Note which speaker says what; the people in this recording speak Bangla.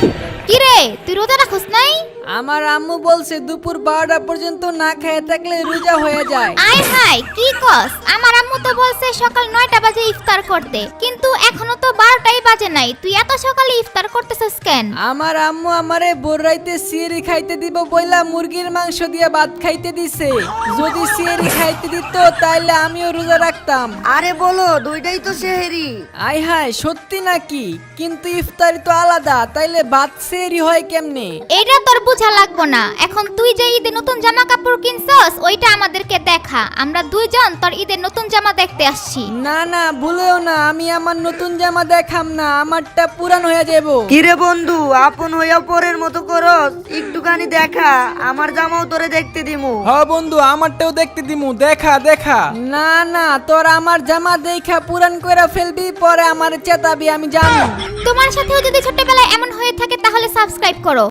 Speaker 1: কি রে তুই রোজা রাখছ নাই?
Speaker 2: আমার আম্মু বলছে দুপুর 12টা পর্যন্ত না খেয়ে থাকলে রোজা হয়ে যায়।
Speaker 1: আয় হায় কি কস? আমার আম্মু তো বলছে সকাল 9টা বাজে ইফতার করতে, কিন্তু এখনো তো 12টাই বাজে নাই, তুই এত সকালে ইফতার করতেছিস কেন?
Speaker 2: আমার আম্মু আমারে ভোর রাইতে সিয়ারি খাইতে দিব বইলা মুরগির মাংস দিয়ে ভাত খাইতে দিছে। যদি সিয়ারি খাইতে দিত তাইলে আমিও রোজা রাখতাম।
Speaker 3: আরে বলো, দুইটাই তো সেহেরি।
Speaker 2: আয় হায় সত্যি নাকি? কিন্তু ইফতারি তো আলাদা, তাইলে ভাত সিয়ারি হয় কেমনে?
Speaker 1: এটা তোর বোঝা লাগবো না, এখন তুই যে ঈদে নতুন জামা কাপড় কিনছস ওইটা আমাদেরকে দেখা, আমরা দুইজন তোর ঈদের নতুন জামা দেখতে আসছি।
Speaker 2: না না ভুলেও না, আমি আমার নতুন জামা দেখাম না, আমারটা পুরান হয়ে যাব।
Speaker 3: কিরে বন্ধু, আপন হইয়া পরের মতো করস, একটুখানি দেখা, আমার জামাও তোরে দেখতে দিমু।
Speaker 4: হ্যাঁ বন্ধু, আমারটাও দেখতে দিমু, দেখা দেখা।
Speaker 2: না না, তোর আমার জামা দেখা পুরান কইরা ফেলবি, পরে আমার চেতাবি, আমি জানি।
Speaker 1: তোমার সাথেও যদি ছোটবেলায় এমন হয়ে থাকে তাহলে সাবস্ক্রাইব করো।